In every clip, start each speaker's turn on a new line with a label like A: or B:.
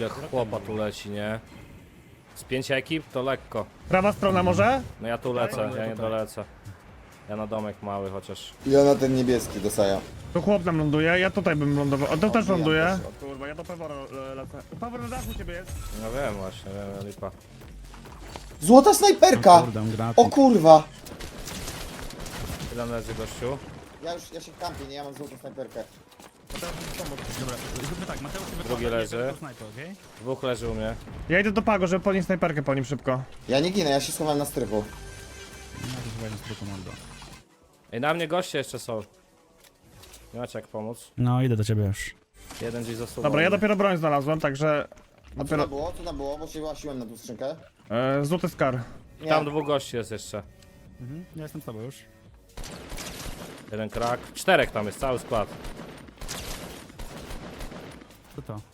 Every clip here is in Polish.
A: ile chłopa tu leci, nie? Z 5 ekip to lekko.
B: Prawa strona może?
A: No ja tu lecę, ja nie dolecę. Ja na domek mały chociaż.
C: Ja na ten niebieski dostaję.
B: Tu chłop nam ląduje, ja tutaj bym lądował. O, to też
C: ja
B: ląduje.
C: też.
B: O kurwa, ja do Pewora lecę. Pewor na dachu ciebie jest.
A: No wiem właśnie, wiem, lipa.
C: Złota snajperka!
D: Kurde, granat.
C: O kurwa!
A: Ile leży gościu?
C: Ja się kampię, nie? Ja mam złotą snajperkę.
D: Dobra, zróbmy tak, Mateusz się
A: Drugi leży.
D: Snajper, okej?
A: Dwóch leży u mnie.
B: Ja idę do Pago, żeby podnieść snajperkę po nim szybko.
C: Ja nie ginę, ja się schowałem na strychu.
D: No to chyba nie spoko mordo.
A: Ej, na mnie goście jeszcze są. Nie macie jak pomóc.
D: No, idę do ciebie już.
A: Jeden gdzieś zasuwał.
B: Dobra, ja dopiero broń znalazłem, także...
C: A co
B: Dopiero...
C: tam było? Co tam było? Bo się łasiłem na tą skrzynkę.
B: Złoty skar.
C: Nie.
A: Tam dwóch gości jest jeszcze.
D: Ja jestem z tobą już.
A: Jeden krak. 4 tam jest, cały skład.
D: Co to?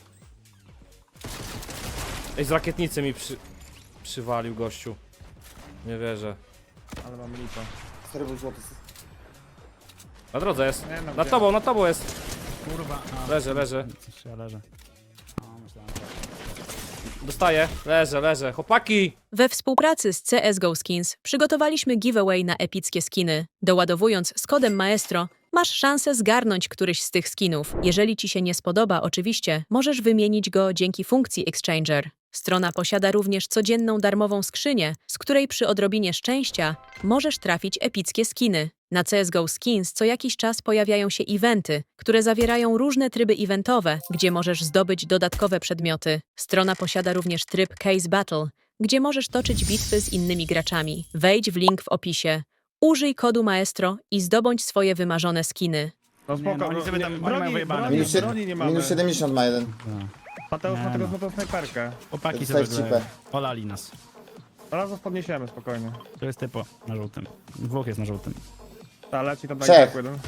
A: Ej, z rakietnicy mi przywalił gościu. Nie wierzę.
B: Ale mam lipę.
C: Stary był złoty.
A: Na drodze jest.
B: Nie, no
A: Na tobą jest.
D: Kurwa, a...
A: Leży.
D: Coś ja leżę. O, myślałem, że...
A: Dostaję. Leżę. Chłopaki!
E: We współpracy z CSGO Skins przygotowaliśmy giveaway na epickie skiny. Doładowując z kodem Maestro, masz szansę zgarnąć któryś z tych skinów. Jeżeli ci się nie spodoba, oczywiście, możesz wymienić go dzięki funkcji Exchanger. Strona posiada również codzienną darmową skrzynię, z której przy odrobinie szczęścia możesz trafić epickie skiny. Na CSGO Skins co jakiś czas pojawiają się eventy, które zawierają różne tryby eventowe, gdzie możesz zdobyć dodatkowe przedmioty. Strona posiada również tryb Case Battle, gdzie możesz toczyć bitwy z innymi graczami. Wejdź w link w opisie. Użyj kodu Maestro i zdobądź swoje wymarzone skiny.
B: No spoko,
D: no oni sobie tam- oni mają
B: broni,
D: wyjebane.
B: broni,
C: Minus,
B: broni nie mamy.
C: minus 70 ma jeden.
B: Mateusz ma
D: Nie
B: tego
D: no.
B: złotą snajperkę.
D: Chłopaki
C: Dostałeś
D: sobie
C: cipę.
D: olali nas.
B: Zaraz podniesiemy spokojnie.
D: To jest typo na żółtym. Dwóch jest na żółtym.
B: Ta leci tam
C: Trzech.
B: jeden.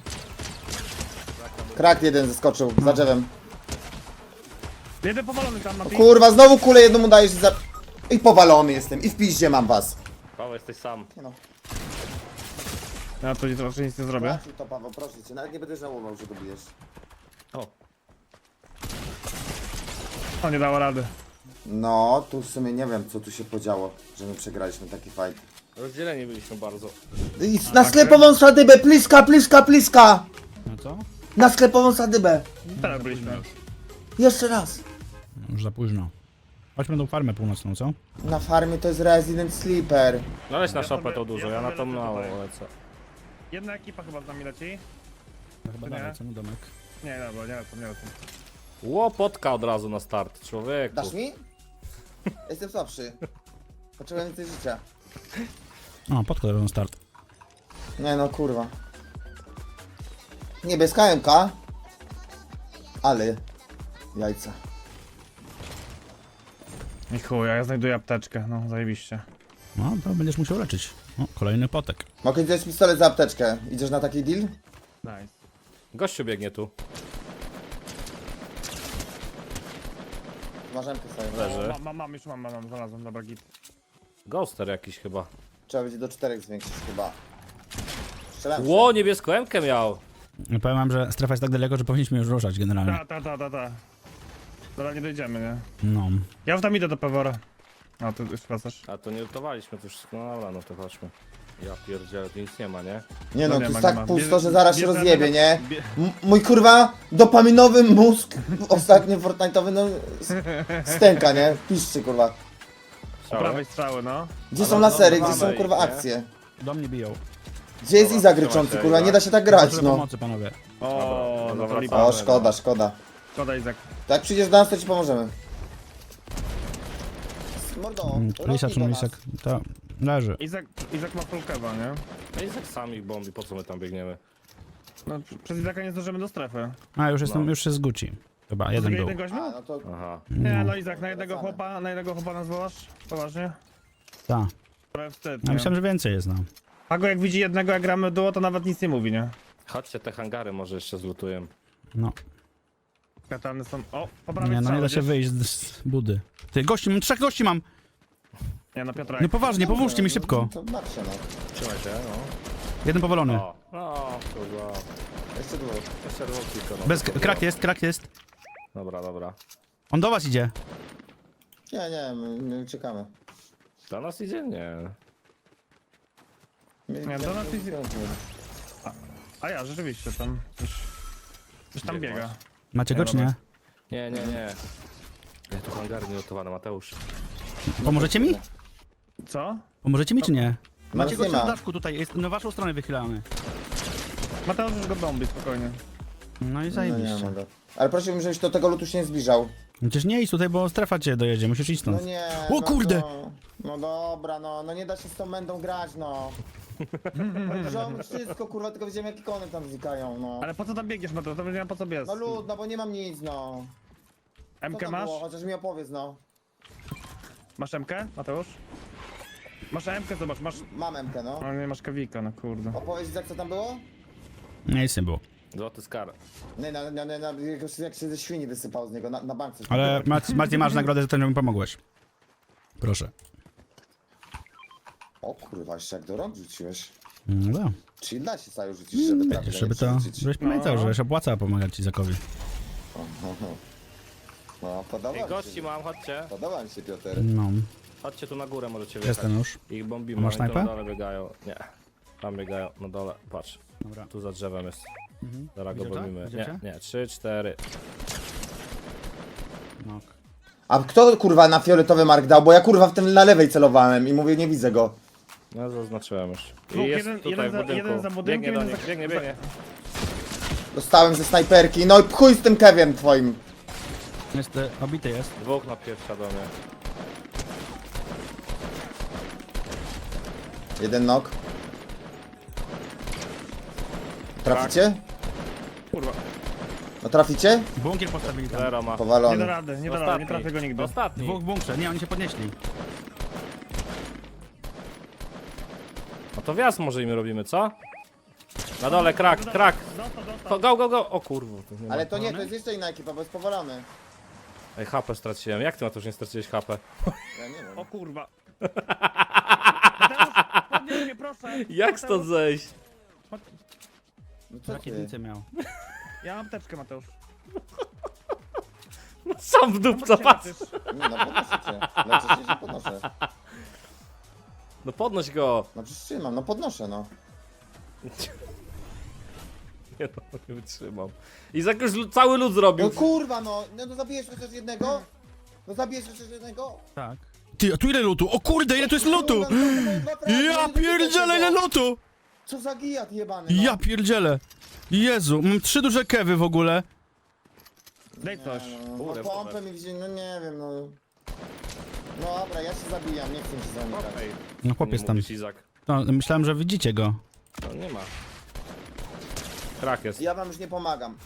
C: Krak jeden zeskoczył, za drzewem.
B: Jeden powalony tam na
C: Kurwa, znowu kulę jednemu dajesz i za... I powalony jestem, i w piździe mam was.
A: Paweł, jesteś sam.
C: Nie no.
B: Ja tu raczej nic nie zrobię.
C: Raczej to, Paweł, proszę cię, nawet nie będę żałował, że go bijesz.
A: O,
B: To nie dało rady.
C: No, tu w sumie nie wiem, co tu się podziało, że my przegraliśmy taki fight.
A: rozdzieleni byliśmy bardzo.
C: I na sklepową sadybę, pliska!
D: No co?
C: Na sklepową sadybę.
B: Teraz byliśmy.
C: Jeszcze raz.
D: Już za późno. Chodźmy tą farmę północną, co?
C: Na farmie to jest Resident Sleeper.
A: No leć na
B: Ja
A: szopę
B: sobie-
A: to dużo,
B: ja
A: ja na
B: sobie
A: to
B: lecę
A: mało
B: tutaj.
A: lecę.
B: Jedna ekipa chyba z nami leci.
D: No chyba
B: Nie?
D: dalej, co? No domek.
B: Nie, dobra, nie lecą.
A: Łopotka od razu na start, człowieku.
C: Dasz mi? Jestem słabszy. Potrzebuję więcej życia.
D: O, podkład na start.
C: Nie no, kurwa. Niebieska MK. Ale... Jajca.
B: I chuj, a ja znajduję apteczkę, no zajebiście.
D: No, to będziesz musiał leczyć. O, kolejny potek.
C: Mogę ci dać pistolet za apteczkę. Idziesz na taki deal?
B: Nice.
A: Gościu biegnie tu.
C: Masz MK sobie.
A: Leży.
B: Już mam, znalazłem, dobra git.
A: Ghoster jakiś chyba.
C: Trzeba będzie do 4 zwiększyć chyba. Strzelam
A: Ło, niebieską M-kę miał.
D: No, powiem wam, że strefa jest tak daleko, że powinniśmy już ruszać generalnie.
B: Ta. Dobra, nie dojdziemy, nie?
D: No.
B: Ja już tam idę do Pewora. A, ty już wracasz.
A: A to nie lutowaliśmy, to już... No dobra, no to chodźmy. Ja pierdzielę, tu nic nie ma, nie?
C: Nie no,
B: No
C: tu
B: nie
C: jest
B: ma,
C: tak
B: nie ma.
C: pusto, że
B: Bierze-
C: zaraz się
B: bierze
C: rozjebie,
B: tego-
C: nie?
B: bie-
C: Mój kurwa dopaminowy mózg ostatnio Fortnite'owy no stęka, nie? Piszczy kurwa.
B: Po prawej strzały, no.
C: Gdzie
A: Ale
C: są
A: no,
C: lasery,
A: no,
C: gdzie są
A: mamy
C: kurwa
A: ich, nie?
C: akcje?
D: Do mnie biją.
C: Gdzie jest
A: Dobra,
C: Izak
A: trzymaj
C: ryczący,
A: się,
C: kurwa,
A: Izak.
C: nie da się tak grać,
D: Potrzebuję
C: no.
D: pomocy, panowie.
B: O,
A: Dobra,
B: no to
A: wracamy.
B: lipa.
C: O, szkoda, szkoda.
B: Szkoda, Izak.
C: To jak przyjdziesz do nas, to ci pomożemy. Mordo,
D: Lisa czy
C: do nas.
D: Lisek? To leży.
B: Izak ma full kewa, nie?
A: No i tak sami bombi, po co my tam biegniemy?
B: No, przez Izaka nie zdążymy do strefy.
D: A, już jestem,
A: No.
D: już jest z Gucci. Chyba, jeden był.
B: Jeden gość
C: A,
B: miał?
C: no to
A: Aha.
B: Nie, no Izak, na jednego
C: Wracamy.
B: chłopa nas wołasz? Poważnie?
D: Tak.
B: Trochę wstyd,
D: Ja
B: nie?
D: myślałem, że więcej jest, no.
B: Pago jak widzi jednego, jak gramy duo, to nawet nic nie mówi, nie?
A: Chodźcie, te hangary może jeszcze zlutuję.
D: No.
B: Katany są... O, po prawej
D: Nie, no nie da się
B: strzały,
D: wyjść z budy. Ty, gości, mam 3 gości mam!
B: wiesz? Nie, no Piotrek.
D: No poważnie, pomóżcie mi szybko.
C: To marsze, no.
A: Trzymaj się, no.
D: Jeden powalony.
A: O, no, kurwa.
C: Jeszcze dwóch.
A: Jeszcze dwóch tylko, no.
D: Bez, krak jest.
A: Dobra.
D: On do was idzie.
C: Nie, my uciekamy.
A: Do nas idzie? Nie.
B: Nie, do nas idzie. A ja, rzeczywiście, tam już tam
A: Gdzie
B: biega.
A: masz?
D: Macie go czy nie?
A: Nie, nie, nie. Ja tu hangar nielotowane, Mateusz.
D: Pomożecie mi?
B: Co?
D: Pomożecie mi czy nie?
C: No,
D: Macie
C: nie
D: go
C: ma.
D: w daszku tutaj, jest na waszą stronę wychylamy.
B: Mateusz już go bombi, spokojnie.
D: No i
C: No nie
D: zajebiście.
C: mogę. Ale prosiłbym, żebyś do tego lutu się nie zbliżał.
D: Przecież nie idź tutaj, bo strefa cię dojedzie, musisz iść
C: No
D: stąd.
C: nie.
D: O
C: no
D: kurde!
C: to- No dobra, no nie da się z tą mędą grać, no. Ziom, wszystko kurwa, tylko widziałem jak ikony tam znikają, no.
B: Ale po co tam biegniesz, Mateusz? To nie wiem po co biec.
C: No lud, no bo nie mam nic, no. Co
B: MK
C: tam
B: masz?
C: było? Chociaż mi opowiedz, no.
B: Masz MK, Mateusz? Masz MK, zobacz, masz...
C: Mam MK, no.
B: No nie masz kawika, no kurde.
C: Opowiedz jak co tam było?
D: Nie, nic nie było.
A: Złoty skar.
C: Nie, jak się ze świni wysypał z niego, na bank coś.
D: Ale Marcin, masz nagrodę, że to mi pomogłeś. Proszę.
C: O kurwa, jeszcze jak do rąk rzuciłeś.
D: No da.
C: Czyli da się saju rzucić, żeby trafić,
D: Wiesz,
C: a
D: żeby
C: nie
D: to...
C: rzucić.
D: Żebyś pamiętał, że się opłaca pomagać Izakowi.
C: No, podoba
A: Ej,
C: mi
A: gości
C: się.
A: mam, chodźcie.
C: Podoba mi się, Piotr.
D: No.
A: Chodźcie tu na górę, możecie wjechać.
D: Jestem już.
A: Ich bombimy,
D: A masz
A: oni tu
D: snajpę?
A: na dole biegają. Nie. Tam biegają, na dole, patrz.
D: Dobra.
A: Tu za drzewem jest. Zaraz go
D: Widzicie?
A: bombimy.
D: Widzicie?
A: Nie, 3, 4.
D: No.
C: A kto kurwa na fioletowy mark dał? Bo ja kurwa w tym na lewej celowałem i mówię, nie widzę go.
A: No zaznaczyłem już. I
B: Dwóch,
A: jest
B: jeden-
A: tutaj
B: jeden
A: w
B: za-
A: budynku.
B: jeden za budynkiem,
A: Biegnie do
B: jeden
A: nich,
B: za-
A: biegnie.
C: Dostałem ze snajperki, no i chuj z tym Keviem twoim.
D: Jest, obity jest.
A: Dwóch na pierwsza do mnie.
C: Jeden nok. Traficie?
B: Kurwa.
C: No traficie?
D: Bunkier postawili tam.
A: Zero ma.
B: Nie
C: Powalony.
B: da rady, nie da rady, nie trafię go nigdy.
A: Ostatni.
D: Dwóch w bunkrze, nie, oni się podnieśli.
A: No to wjazd może im robimy, co? Na dole, krak. Go. O kurwa. tu nie ma.
C: Ale to nie, to jest jeszcze inna ekipa, bo jest powalony.
A: Ej, HP straciłem. Jak ty na to już nie straciłeś HP?
C: Ja nie wiem.
B: O kurwa. Mateusz, podnieś mnie proszę.
A: Jak stąd zejść?
C: No co ty?
D: Rakietnicę miał.
B: Ja mam apteczkę, Mateusz.
A: Sam w dupco, patrz.
C: Nie, no podnoszę cię. Leczę się, że podnoszę.
A: No podnoś go.
C: No przecież trzymam, no podnoszę, no.
A: Nie no, nie wytrzymam. I za cały lud zrobił.
C: No kurwa, no zabijesz chociaż jednego? No zabijesz chociaż jednego?
D: Tak. Ty, a tu ile lutu? O kurde, ile tu jest lutu!
C: Kurwa, no to były dwa fragi,
D: Ja
C: nie
D: pierdzielę, ile
C: tego.
D: lutu!
C: Co za gijat jebany, no.
D: Ja pierdzielę. Jezu, mam 3 duże kewy w ogóle.
B: Daj coś.
C: No
A: Kurde,
C: pompę mi wzięli, no nie wiem, no. No dobra, ja się zabijam, nie chcę się zamykać.
A: Ej,
D: No chłopiec tam.
A: mówisz, Izak.
D: No, myślałem, że widzicie go.
A: No nie ma. Krak jest.
C: Ja wam już nie pomagam.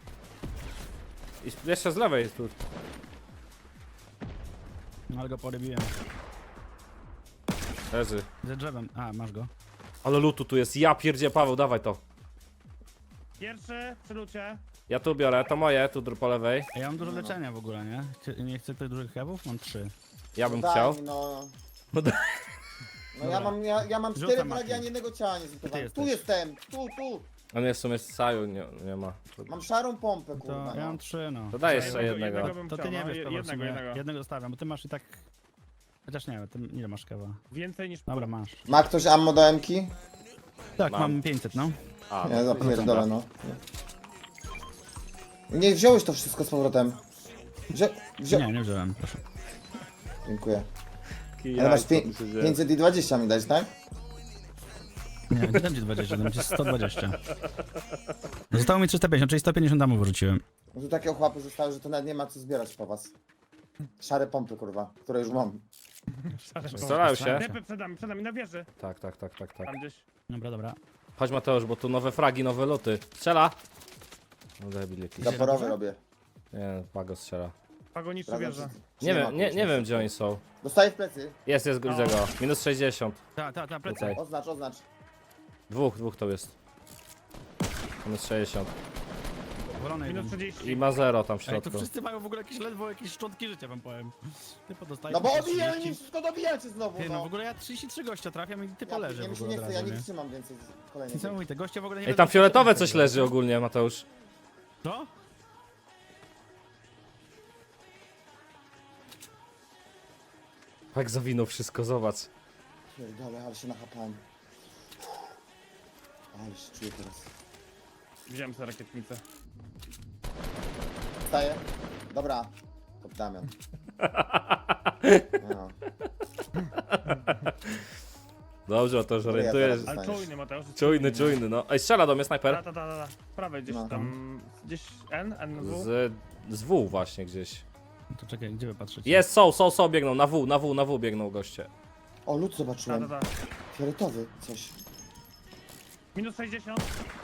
A: I jeszcze z lewej jest tu.
D: No, ale go porybiłem.
A: Leży.
D: Ze drzewem. A, masz go.
A: Ale lutu tu jest. Ja pierdzie, Paweł, dawaj to.
B: Pierwszy, przy lucie.
A: Ja tu biorę, to moje, tu po lewej.
D: A ja mam dużo leczenia w ogóle, nie? Nie chcę tych dużych kewów? Mam 3.
A: Ja bym
C: Daj
A: chciał.
C: mi, no.
A: No daj.
C: No ja mam 4
D: Rzucam
C: fragi, a
D: Martin.
C: ani jednego ciała nie zlutowałem.
D: Ty
C: Tu
D: jesteś.
C: jestem, tu.
A: A nie, w sumie z Saju nie ma.
C: Mam szarą pompę,
D: To
C: kurwa,
D: ja
C: no.
D: mam 3, no.
A: To daj
B: Jednego-
A: jeszcze jednego.
B: jednego bym
D: To ty
B: chciał,
D: nie
B: no,
D: wiesz, Paweł, w
B: jednego,
D: sumie.
B: jednego.
D: Jednego zostawiam, bo ty masz i tak... Chociaż nie wiem, ty ile masz kewa?
B: Więcej niż...
D: Dobra, masz.
C: Ma ktoś ammo do M-ki?
D: Tak,
A: Mam.
D: mam 500, no.
A: A,
C: Nie, zapierdolę, no. Nie wziąłeś to wszystko z powrotem.
D: Nie wziąłem, proszę.
C: Dziękuję.
A: Kijaj,
C: Ale masz
A: co tu się dzieje?
C: 520 mi dać, tak?
D: Nie, nie dam ci 20, dam ci 120. Zostało mi 350, czyli 150 damów wyrzuciłem.
C: No tu takie ochłapy zostały, że to nawet nie ma co zbierać po was. Szare pompy, kurwa, które już mam.
A: Starają się.
B: Depy przed nami na wieży.
A: Tak.
B: Tam gdzieś.
D: Dobra.
A: Chodź Mateusz, bo tu nowe fragi, nowe luty. Strzela! No debil jakiś.
C: Zaporowy robię.
A: Nie, Pago strzela.
B: Pagoniczy
C: Sprawdzam,
B: wieża.
C: czy
A: Nie
C: ma
A: wiem, nie
C: kurwa.
A: wiem gdzie oni są.
C: Dostaję w plecy.
A: Jest, widzę go. Minus 60.
D: Tak, plecy.
A: Tutaj.
C: Oznacz.
A: Dwóch to jest. Minus 60.
D: Wolony
B: Minus
D: jeden.
B: 30.
A: I ma 0 tam w
D: Ej,
A: środku.
D: tu wszyscy mają w ogóle ledwo jakieś szczątki życia, wam powiem. Ty podostajesz...
C: No bo
D: jakieś
C: obijają
D: 30.
C: mi wszystko, dobijacie znowu,
D: Ty, no w
C: no.
D: ogóle ja 33 gościa trafiam i ty
C: Ja
D: poleżę
C: mi
D: w
C: się
D: ogóle
C: nie
D: od
C: chce, ja
D: razu,
C: nie
D: nie?
C: wytrzymam więcej kolejnych.
D: Niesamowite, goście w ogóle nie
A: Ej,
D: wiedzą,
A: tam
D: co
A: fioletowe
D: robią.
A: coś leży ogólnie, Mateusz.
D: Co?
A: Jak zawinął wszystko, zobacz.
C: Pierdolę, ale się nachapałem. Ale się czuję teraz.
B: Wziąłem sobie rakietnicę.
C: Wstaję. Dobra. To Damian. No.
A: Dobrze, o to już orientujesz.
C: zaraz-
B: Ale czujny, Mateusz.
A: Czujny, no. Ej, strzela do mnie snajper.
B: Ta. Prawej gdzieś
C: No.
B: tam. Gdzieś N, W.
A: Z W właśnie gdzieś.
D: No to czekaj, gdzie wy patrzycie?
A: Jest, są, biegną, na W biegną goście.
C: O, lód zobaczyłem.
B: Ta.
C: Fioletowy coś.
B: Minus 60.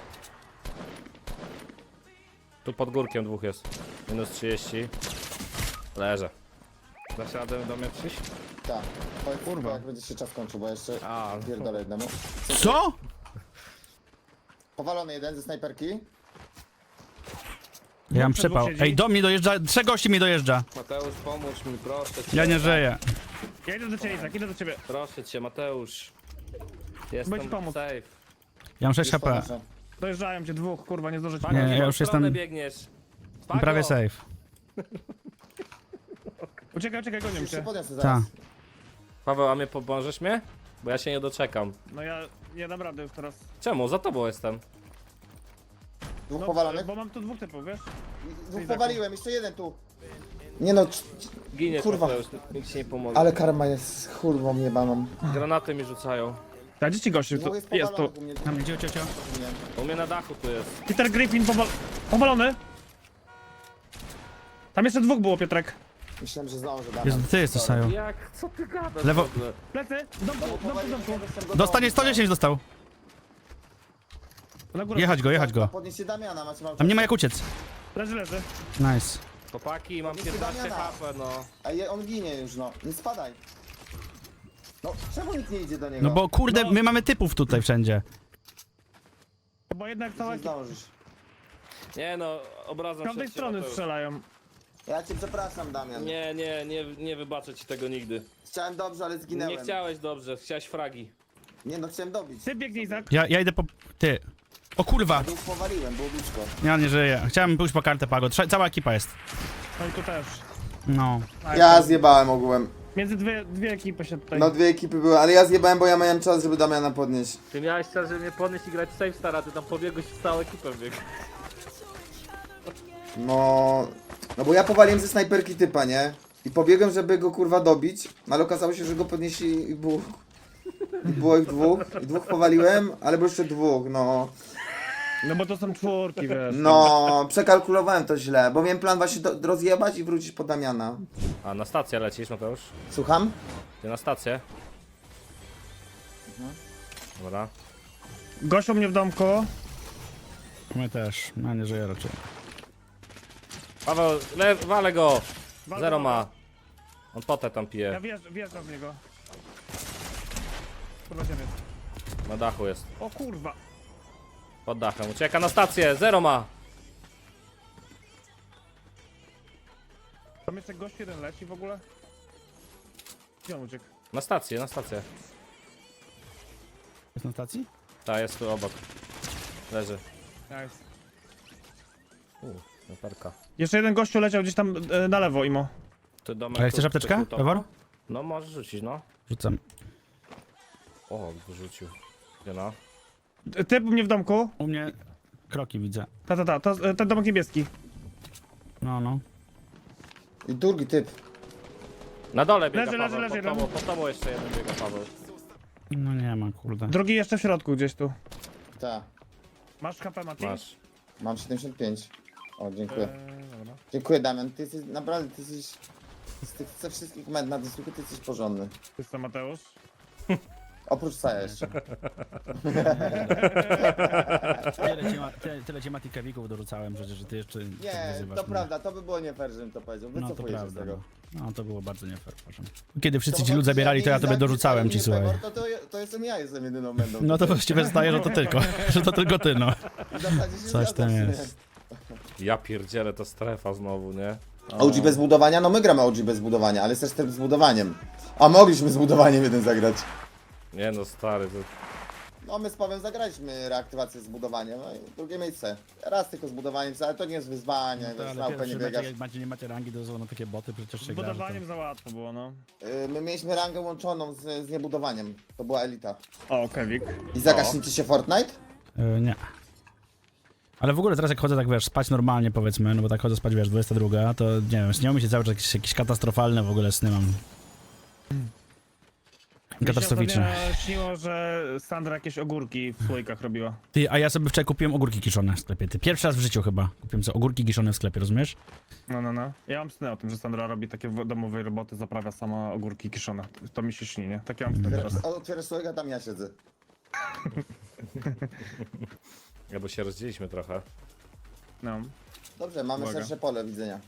A: Tu pod górkiem dwóch jest. Minus 30. Leżę. Dasz radę do mnie przyjść?
C: Tak. Powiedz kurwa, jak będzie się czas kończył, bo jeszcze
A: A,
C: pierdolę jednemu.
D: Co?
C: Powalony jeden ze snajperki.
D: Ja mam
B: Przed dwóch
D: przypał.
B: siedzi.
D: Ej, do mnie dojeżdża, 3 gości mi dojeżdża.
A: Mateusz, pomóż mi, proszę cię.
D: Ja nie żyję.
B: Ja idę do ciebie, Izak, idę do ciebie.
A: Proszę cię, Mateusz. Jestem
B: Bądź pomóc.
A: safe.
D: Ja mam 6
C: Już
D: HP.
C: podnoszę.
B: Dojeżdżają cię dwóch, kurwa, nie zdążycie.
D: Nie, ja
A: w którą
D: już
A: stronę
D: jestem-
A: biegniesz? Pago!
D: Prawie safe.
B: Uciekaj, gonią
C: Już się
B: cię.
C: podniosę
D: Ta.
C: zaraz.
A: Paweł, a mnie pomożesz mnie? Bo ja się nie doczekam.
B: No ja nie dam rady już teraz.
A: Czemu? Za tobą jestem.
C: Dwóch
B: No,
C: powalonych.
B: bo mam tu dwóch typów, wiesz?
C: Dwóch powaliłem, jeszcze jeden tu. Nie no,
A: Giniesz,
C: Kurwa.
A: Mateusz, nikt ci nie pomoże.
C: ale karma jest kurwą jebaną.
A: Granaty mi rzucają.
B: A gdzie ci gościu?
C: Dwóch
B: To
C: jest
B: jest tu.
C: powalonych u mnie.
D: Tam, cio.
A: U mnie na dachu tu jest.
B: Peter Griffin powalony. Tam jeszcze dwóch było, Piotrek.
C: Myślałem, że zdążę, Damian.
D: Jezu, ty jesteś, Saju.
A: Jak? Co ty gadasz?
D: Lewo.
A: w ogóle?
B: Plecy, w domku.
D: Dostanie 110 dostał.
B: Na górę.
D: Jechać go.
C: Podnieście Damiana, macie mało
D: Tam nie ma
C: czasu.
D: jak uciec.
B: Leży.
D: Nice.
A: Chłopaki, mam
C: Jest
A: 15
C: Damiana.
A: HP, no.
C: A on ginie już, no. Nie spadaj. No, czemu nikt nie idzie do niego?
D: No bo kurde, my mamy typów tutaj wszędzie.
B: Bo jednak cała
C: Nie
B: ekipa.
C: zdążysz.
A: Nie no, obrazem
B: Z każdej
A: się
B: strony
A: Mateusz.
B: strzelają.
C: Ja cię przepraszam, Damian.
A: Nie wybaczę ci tego nigdy.
C: Chciałem dobrze, ale zginęłem.
A: Nie chciałeś dobrze, chciałeś fragi.
C: Nie no, chciałem dobić.
B: Ty biegnie, Izak.
D: Ja idę po... Ty. O kurwa.
C: Dwóch powaliłem, było blisko.
D: Ja nie żyję. Chciałem pójść po kartę Pago. Cała ekipa jest.
B: No i tu też.
D: No.
B: Tak.
C: Ja zjebałem ogółem.
B: Między dwie ekipy się tutaj.
C: No dwie ekipy były, ale ja zjebałem, bo ja miałem czas, żeby Damiana podnieść.
A: Ty miałeś czas, żeby mnie podnieść i grać safe stara, ty tam pobiegłeś w całą ekipę bieg.
C: No... No bo ja powaliłem ze snajperki typa, nie? I pobiegłem, żeby go kurwa dobić, no ale okazało się, że go podnieśli i było... I było ich dwóch. I dwóch powaliłem, ale było jeszcze dwóch, no...
B: No bo to są czwórki, wiesz.
C: No, przekalkulowałem to źle, bo miałem plan właśnie rozjebać i wrócić po Damiana.
A: A na stację lecisz, Mateusz?
C: Słucham?
A: Ty na stację? Dobra.
B: Gościu mnie w domku.
D: My też. Ja nie żyję raczej.
A: Paweł, walę go!
B: Walę
A: Zero
B: go.
A: ma. On potę tam
B: Ja
A: pije.
B: wjeżdżam w niego. Kurwa ciebie.
A: Na dachu jest.
B: O kurwa.
A: Pod dachem. Ucieka na stację, zero ma!
B: Tam jeszcze gość jeden leci w ogóle. Gdzie on uciekł?
A: Na stację, na stację.
D: Jest na stacji?
A: Ta jest tu obok. Leży.
B: Nice.
A: Snajperka.
B: Jeszcze jeden gościu leciał gdzieś tam na lewo, Imo.
A: Ty domek
D: A chcesz
A: tu-
D: apteczkę,
A: tu- tu-
D: Pewor?
A: No możesz rzucić, no.
D: Rzucam.
A: O, wyrzucił. Gdzie no?
B: Typ u mnie w domku.
D: U mnie kroki widzę.
B: To ten domek niebieski.
D: No.
C: I drugi typ.
A: Na dole biega
B: Leży,
A: Paweł,
B: leży,
A: pod
B: leży,
A: tobą, pod tobą jeszcze jeden biega Paweł.
D: No nie ma, kurde.
B: Drugi jeszcze w środku gdzieś tu.
C: Tak.
B: Masz HP, Mati?
A: Masz.
C: Mam 75. O, dziękuję.
B: Dobra.
C: Dziękuję, Damian. Ty jesteś, naprawdę, ty jesteś... Z tych ze wszystkich med na dysku, ty jesteś porządny.
B: Ty co, Mateusz?
C: Oprócz Saja jeszcze.
D: Tyle ci Mati Kewików dorzucałem przecież, że ty jeszcze tak
C: Nie,
D: wyzywasz
C: to
D: mnie.
C: prawda, to by było nie fair, żebym to powiedział.
D: No to
C: Wycofuję się z
D: prawda.
C: tego.
D: No to było bardzo nie fair, proszę. Kiedy wszyscy
C: To
D: ci lud
C: chodzi,
D: zabierali, to ja
C: nie
D: tobie
C: Izak,
D: dorzucałem
C: nie
D: ci, słuchaj.
C: Pewor, to jestem ja, jestem jedyną będą.
D: No to właściwie zdaje, że to tylko, że to tylko ty, no.
C: W zasadzie się
D: Coś
C: zgadzam
D: tam
C: w sumie.
D: jest.
A: Ja pierdzielę, to strefa znowu, nie?
C: OG bez budowania? No my gramy OG bez budowania, ale jest też z budowaniem. A mogliśmy z budowaniem jeden zagrać.
A: Nie no, stary, to...
C: No my z Pawłem zagraliśmy reaktywację z budowaniem, no i drugie miejsce. Raz tylko z budowaniem, ale to nie jest wyzwanie,
D: No to,
C: więc
D: ale
C: na upę nie
D: pierwszy mecz,
C: biegasz.
D: jak nie macie rangi, to są na takie boty, przecież
B: Z
D: się gra. że to-
B: budowaniem za łatwo było, no.
C: My mieliśmy rangę łączoną z niebudowaniem. To była elita.
B: O, Kevik.
C: I zagaśnie ci się Fortnite?
D: Nie. Ale w ogóle teraz jak chodzę tak, wiesz, spać normalnie powiedzmy, no bo tak chodzę spać, wiesz, 22, to nie wiem, śnią mi się cały czas jakieś katastrofalne w ogóle sny mam. Katastroficzne.
B: Mi się ostatnio śniło, że Sandra jakieś ogórki w słoikach robiła.
D: Ty, a ja sobie wczoraj kupiłem ogórki kiszone w sklepie. Ty, pierwszy raz w życiu chyba kupiłem sobie ogórki kiszone w sklepie, rozumiesz?
B: No. Ja mam sny o tym, że Sandra robi takie domowe roboty, zaprawia sama ogórki kiszone. To mi się śni, nie? Takie mam sny teraz.
C: Otwierasz słoika, tam ja siedzę.
A: Ja bo się rozdzieliliśmy trochę.
B: No.
C: Dobrze, mamy
B: Uwaga.
C: szersze pole widzenia.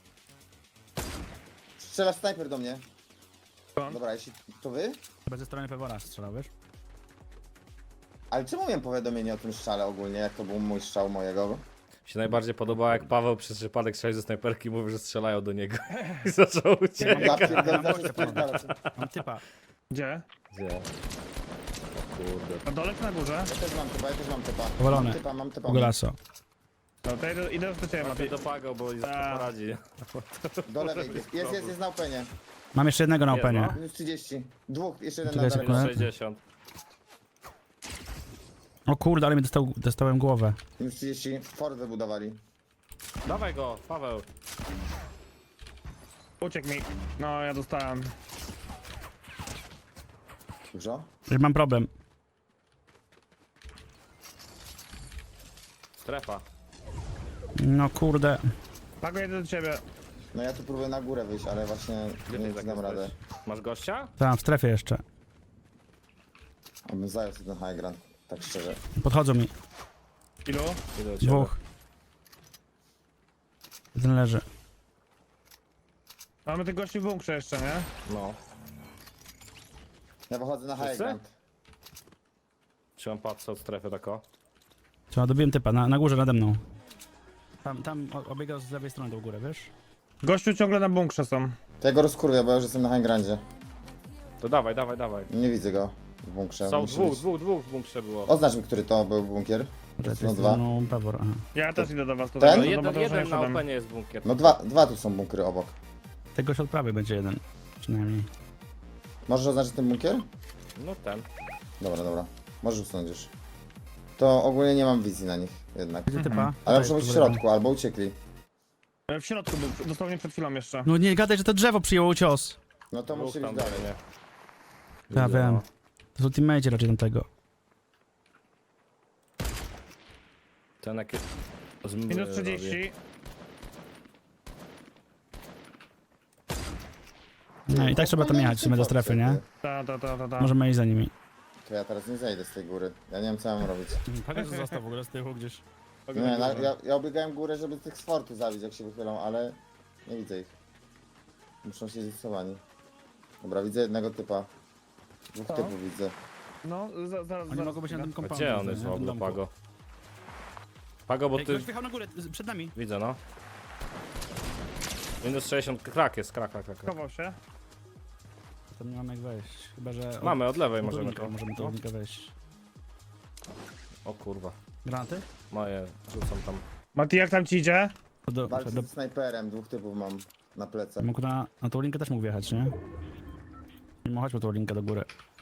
C: Strzela snajper do mnie.
B: Skąd?
C: Dobra, jeśli to wy?
D: Chyba ze strony Pewora strzelał, wiesz?
C: Ale czemu miałem powiadomienie o tym strzale ogólnie, jak to był mój strzał mojego?
A: Mi się najbardziej podobało, jak Paweł przez przypadek strzelił ze snajperki i mówił, że strzelają do niego. I zaczął uciekać.
C: Ja pierdolę, zawsze spierdalać.
D: Mam typa.
B: Gdzie?
A: Gdzie? O kurde.
B: Na dole czy na górze?
C: Ja też mam typa.
D: Powalony.
C: Mam typa.
D: Golaso.
B: No to idę do ciebie,
A: Lepiej
B: Mati.
A: dopagał, bo i
B: A.
A: poradzi.
C: Do lewej. Jest na openie.
D: Mam jeszcze jednego na
A: Jest,
D: openie.
A: no.
C: Minus 30. Dwóch, jeszcze jeden
D: Czekaj
C: na
D: sekundę.
C: daleko.
A: 60.
D: O kurde, ale mi dostałem głowę.
C: Minus 30. Ford wybudowali.
A: Dawaj go, Paweł.
B: Uciekł mi. No, ja dostałem.
C: Dużo?
D: Że mam problem.
A: Strefa.
D: No kurde.
B: Pago, jedę do ciebie.
C: No ja tu próbuję na górę wyjść, ale właśnie
A: Gdzie
C: nie
A: ty
C: wiem,
A: tak
C: czy dam
A: jesteś?
C: radę.
A: Masz gościa?
D: Tam, w strefie jeszcze.
C: Abym zajął sobie ten high ground, tak szczerze.
D: Podchodzą mi.
A: Idę
B: Ilu?
A: do ciebie.
D: Dwóch. Jeden leży.
B: Mamy tych gości w bunkrze jeszcze, nie?
A: No.
C: Ja wychodzę na high
A: Wszyscy?
C: ground.
A: Czy on patrzę od strefy tako?
D: Trzeba, dobiłem typa, na górze nade mną. Tam obiegał z lewej strony do góry, wiesz?
B: Gościu ciągle na bunkrze są.
C: To ja go rozkurwię, bo ja już jestem na high groundzie.
A: To dawaj, dawaj, dawaj.
C: Nie widzę go w bunkrze.
A: Są
C: Musi
A: dwóch
C: być.
A: w bunkrze było.
C: Oznacz mi, który to był bunkier. No dwa.
D: No, Pewor, aha.
B: Ja też idę do was
C: Ten?
B: tutaj.
A: No
B: do
A: jeden
B: Mateusza
A: na
B: jeszcze dam.
A: openie jest bunkier.
C: No dwa tu są bunkry obok.
D: Tego od prawej będzie jeden. Przynajmniej.
C: Możesz oznaczyć ten bunkier?
A: No ten.
C: Dobra. Możesz usunąć już. To ogólnie nie mam wizji na nich jednak.
D: Gdzie typa?
C: Ale
D: Tutaj,
C: muszą być w
D: tu w lewo.
C: środku, albo uciekli.
B: W środku był, dosłownie przed chwilą jeszcze.
D: No nie gadaj, że to drzewo przyjęło cios.
C: No to
A: Dwóch
C: musi
A: tam
C: być dalej.
A: nie.
D: Ja
A: Widzę,
D: wiem.
A: no.
D: To są teammate raczej tamtego.
A: Ten jakie...
B: Minus 30.
D: No i tak trzeba tam jechać w sumie do strefy, nie?
B: Ta.
D: Możemy iść za nimi.
C: To ja teraz nie zejdę z tej góry. Ja nie wiem, co mam robić.
D: Patrz, że został w ogóle z tyłu gdzieś.
C: Nie, ja obiegałem górę, żeby tych z fortu zabić, jak się wychylą, ale nie widzę ich. Muszą się zistowani. Dobra, widzę jednego typa. Dwóch
B: Co?
C: typów widzę.
B: No, zaraz.
D: Oni mogą być na tym
A: A
D: kompoundzie.
A: gdzie on jest w ogóle, Pago? Pago, bo
D: Ej,
A: ty...
D: ktoś wjechał na górę, przed nami.
A: Widzę, no. Minus 60, krak jest, krak.
B: Chował się.
D: Tam nie mamy jak wejść. Chyba, że...
A: Mamy, od lewej
D: możemy
A: możemy to.
D: Możemy
A: No.
D: do unika wejść.
A: O kurwa.
D: Granaty?
A: Moje, rzucam tam.
B: Mati, jak tam ci idzie?
C: Walczę z snajperem, dwóch typów mam na plecach.
D: Mógł na tą linkę też mógł wjechać, nie? Mimo chodźmy tą linkę do góry.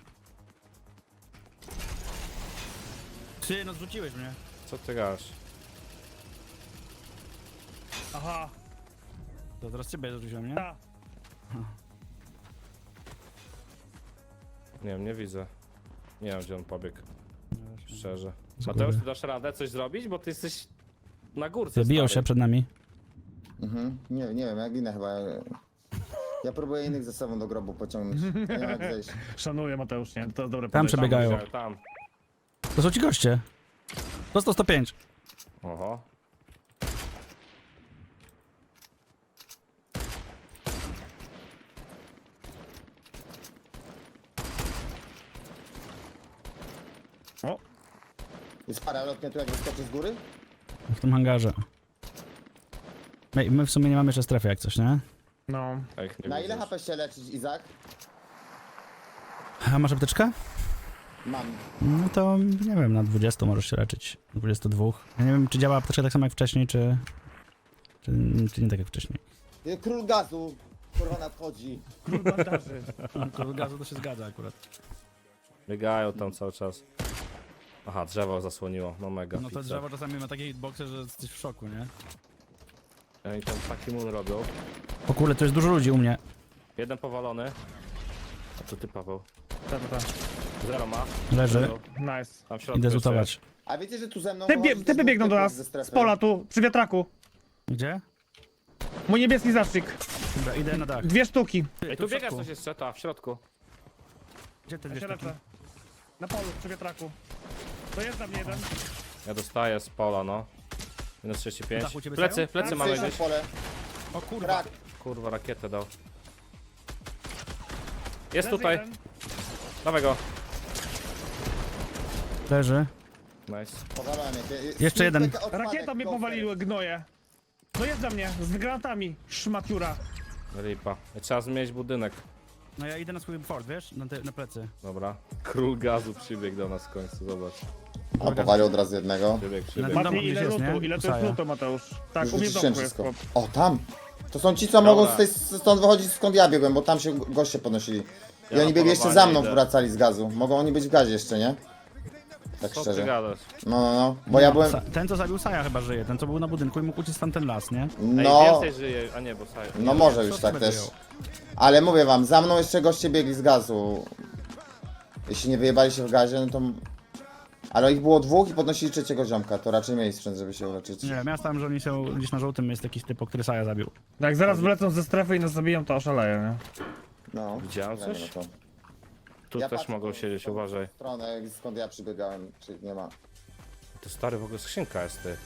D: Ty, no zrzuciłeś mnie.
A: Co ty gasz?
B: Aha,
D: To teraz ciebie zrzuciłem, nie?
B: ta.
A: Nie wiem, nie widzę. Nie wiem, gdzie on pobiegł, szczerze.
D: Z
A: Mateusz,
D: góry.
A: ty dasz radę coś zrobić? Bo ty jesteś na górce,
D: Zabiją się
A: stary.
D: przed nami.
C: Nie wiem, jak ginę chyba. Ja próbuję innych ze sobą do grobu pociągnąć. Ja nie wiem, jak zejść.
B: Szanuję, Mateusz, nie? To jest dobre
D: Tam
B: podejście.
D: przebiegają.
A: Tam.
D: To są ci goście. Dostał 105.
A: Oho.
B: O,
C: Jest para lotnia tu, jak wyskoczy z góry?
D: W tym hangarze. My w sumie nie mamy jeszcze strefy jak coś, nie?
B: no.
A: A ich nie
C: Na ile
A: widzisz.
C: HP się leczyć, Izak?
D: A masz apteczkę?
C: Mam.
D: No to nie wiem, na 20 możesz się leczyć. 22. Ja nie wiem, czy działa apteczka tak samo jak wcześniej, czy nie tak jak wcześniej.
C: Król gazu, kurwa nadchodzi.
B: Król bandaży.
D: To gazu to się zgadza akurat.
A: Biegają tam cały czas. Aha, drzewo zasłoniło, no mega.
D: No to
A: pizza.
D: drzewo czasami ma takie hitboxy, że jesteś w szoku, nie?
A: Oni tam taki mun robią.
D: O kurde, to jest dużo ludzi u mnie.
A: Jeden powalony. A to ty, Paweł.
B: Ta.
A: Zero ma.
D: Leży.
A: Zero.
B: Nice.
A: Tam w środku
D: Idę
A: jeszcze
D: zutować.
C: A wiecie, że tu ze mną...
B: Typy biegną do nas. Z pola tu, przy wiatraku.
D: Gdzie?
B: Mój niebieski zastrzyk.
D: Dobra, idę na dach.
B: 2 sztuki.
A: Ej, tu biega coś jeszcze, ta, w środku.
D: Gdzie te
B: Ja
D: dwie
B: się
D: sztuki?
B: lecę. Na polu, przy wiatraku. To jest na mnie jeden.
A: Ja dostaję z pola, no. Minus
D: Na
A: 35.
D: dachu ciebie
A: Plecy,
D: stają?
A: plecy
C: Tak,
A: mamy
C: słyszę
A: gdzieś.
C: pole.
D: O kurwa.
C: Krak.
A: Kurwa, rakietę dał. Jest
B: Leży
A: tutaj.
B: jeden.
A: Dawaj go.
D: Leży.
A: Nice.
C: Powalałem je.
D: Jeszcze jeden.
B: Rakieta mnie powaliły, gnoje. To jest za mnie, z granatami. Szmaciura.
A: Ripa. Trzeba zmienić budynek.
D: No ja idę na swój fort, wiesz? Na plecy.
A: Dobra. Król gazu przybiegł do nas w końcu, zobacz.
C: A powalił od razu jednego.
A: Przybiegł.
D: Na-
B: Mati,
D: gdzieś
B: ile
D: jest,
B: lutu?
D: nie?
B: Ile to jest
D: Saja.
B: lutu, Mateusz? Tak,
C: Już
B: u mnie w
C: wyciszyłem
B: domku jest
C: wszystko.
B: chłop.
C: O, tam! To są ci, co mogą stąd wychodzić, skąd ja biegłem, bo tam się goście podnosili. I
A: Ja
C: oni
A: na
C: biegli jeszcze za
A: polowanie
C: mną,
A: idę.
C: wracali z gazu. Mogą oni być w gazie jeszcze, nie? Tak
A: Co ty
C: szczerze.
A: gadasz?
C: No. Bo ja byłem...
D: Ten, co zabił Saja chyba żyje. Ten, co był na budynku i mógł uciec tam ten las, nie?
A: Ej,
C: No,
A: więcej żyje, a nie, bo saj.
C: no może
D: Co
C: już
D: ty
C: tak
D: będę
C: też.
D: jął?
C: Ale mówię wam, za mną jeszcze goście biegli z gazu. Jeśli nie wyjebali się w gazie, no to... Ale ich było dwóch i podnosili trzeciego ziomka, to raczej mieli sprzęt, żeby się uleczyć.
D: Nie wiem, ja stałem, że oni są gdzieś na żółtym, jest jakiś typ, który Saja zabił.
B: Jak zaraz wlecą ze strefy i nas zabiją, to oszaleję, nie?
C: No.
A: Widziałem
C: Wiemy,
A: coś?
C: no to.
A: Tu
C: Ja
A: też
C: patrzę
A: mogą
C: w
A: siedzieć,
C: tą
A: uważaj.
C: stronę, skąd ja przybiegałem, czy nie ma.
A: To stary w ogóle skrzynka jest, ty.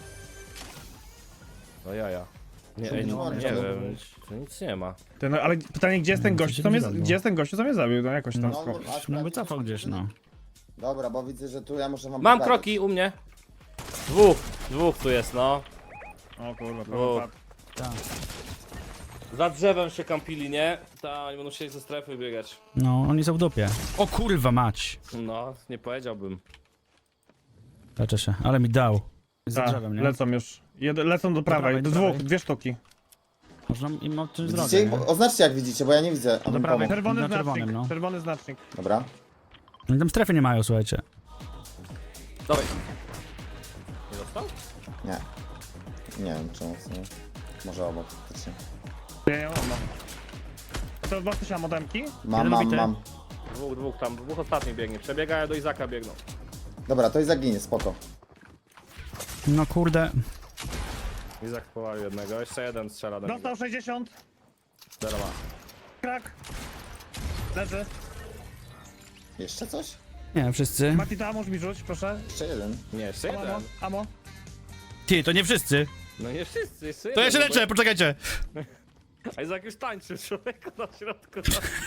A: No jaja. Nie,
C: Co
A: ej,
C: być
A: nie,
C: może
A: nie
C: to
A: wiem, tu nic nie ma.
B: Ty, no, ale pytanie, gdzie jest ten gościu, co mnie, gdzie jest ten gościu, co mnie zabił? No jakoś tam.
C: No,
D: No wycofał gdzieś, no.
C: Dobra, bo widzę, że tu ja muszę wam
A: Mam
C: pokazać.
A: kroki u mnie. Dwóch tu jest, no.
B: O kurwa,
A: O.
B: to wypadł.
D: Tak.
A: Za drzewem się kampili, nie? Ta, oni będą chcieli ze strefy biegać.
D: No, oni są w dupie. O kurwa mać!
A: No, nie powiedziałbym.
D: Leczę się, ale mi dał. Za
B: Tak,
D: drzewem, nie?
B: lecą już. Lecą do prawej,
D: prawej,
B: do
D: do
B: dwóch,
D: prawej.
B: 2 sztuki.
D: Można im odciąć drogę,
C: Widzicie?
D: nie?
C: Oznaczcie jak widzicie, bo ja nie widzę.
D: Do
C: Abym
D: prawej.
C: pomógł.
B: Czerwony
D: Na
B: znacznik,
D: czerwonym, no.
B: czerwony znacznik.
C: Dobra.
D: Oni tam strefy nie mają, słuchajcie.
A: Dawaj. Nie dostał?
C: Nie. Nie wiem czemu. Nie. Może obok. faktycznie.
B: Ja nie mam. A to 2000 modemki?
C: Mam.
A: Dwóch ostatnich biegnie. Przebiegają do Izaka, biegną.
C: Dobra, to i zaginie, spoko.
D: No kurde.
A: Izak powalił jednego, jeszcze jeden strzela do niego.
B: Dostał 60.
A: Zero ma.
B: Krak. Leży.
C: Jeszcze coś?
D: Nie, wszyscy.
B: Mati, to ammo mi rzuć, proszę.
C: Jeszcze jeden.
A: Nie, jeszcze
B: Ammo,
A: jeden.
B: ammo.
D: Ty, to nie wszyscy.
A: No nie wszyscy, jeszcze
D: To ja
A: jeden.
D: się leczę, poczekajcie.
A: A Izak już tańczy, człowieku na środku.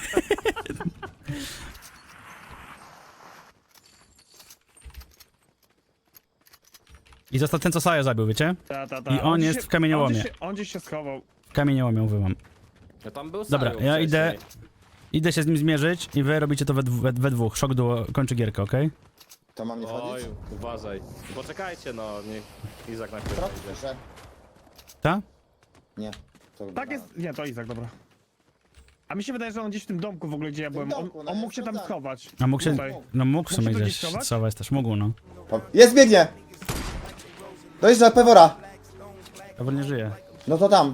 D: I został ten, co Saja zabił, wiecie?
B: Ta.
D: I on jest w kamieniołomie.
B: On gdzieś się schował.
D: W kamieniołomie uwywam.
A: No tam był
D: Dobra,
A: Sajo
D: ja
A: wcześniej.
D: idę się z nim zmierzyć i wy robicie to we dwóch. Szok duo kończy gierkę, okej?
C: To mam nie
A: Oj,
C: wchodzić?
A: uważaj. Poczekajcie, no, niech Izak najpierw
C: Krok,
A: idzie.
C: proszę.
D: Ta?
C: Nie. To
B: Tak jest. Nie, to Izak, dobra. A mi się wydaje, że on gdzieś w tym domku w ogóle, gdzie ja byłem.
C: domku, no
B: On
C: ja
B: mógł się tam
C: sprawdzałem.
B: schować.
D: A mógł się,
B: Tutaj.
D: no mógł w sumie
B: Mógł się tu
D: gdzieś
B: gdzieś schować?
D: schować też, mógł, no.
C: Jest, biegnie! Dojeżdża Pewora.
D: Dobra, nie żyje.
C: No to tam.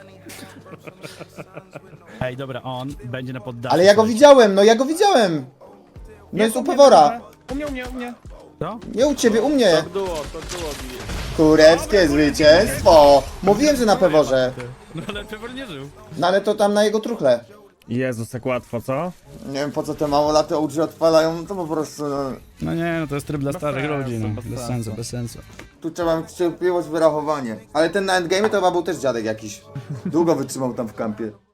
D: Ej, dobra, on będzie na poddaszu.
C: Ale ja go
D: sobie.
C: widziałem, no ja go widziałem. No jest u Pewora.
B: U mnie.
D: Co?
C: Nie u ciebie, u mnie.
A: To duo bije.
C: Kurewskie zwycięstwo. Mówiłem, że na Peworze.
D: No ale Pewor nie żył.
C: No ale to tam na jego truchle.
B: Jezus, jak łatwo, co?
C: Nie wiem po co te małolaty OG odpalają, to po prostu no,
D: No nie, no to jest tryb dla starych
B: sensu,
D: ludzi, no.
B: bez
D: Bez
B: sensu.
D: sensu, bez sensu.
C: tu trzeba mieć cierpliwość, wyrachowanie. Ale ten na endgame to chyba był też dziadek jakiś. Długo wytrzymał tam w kampie.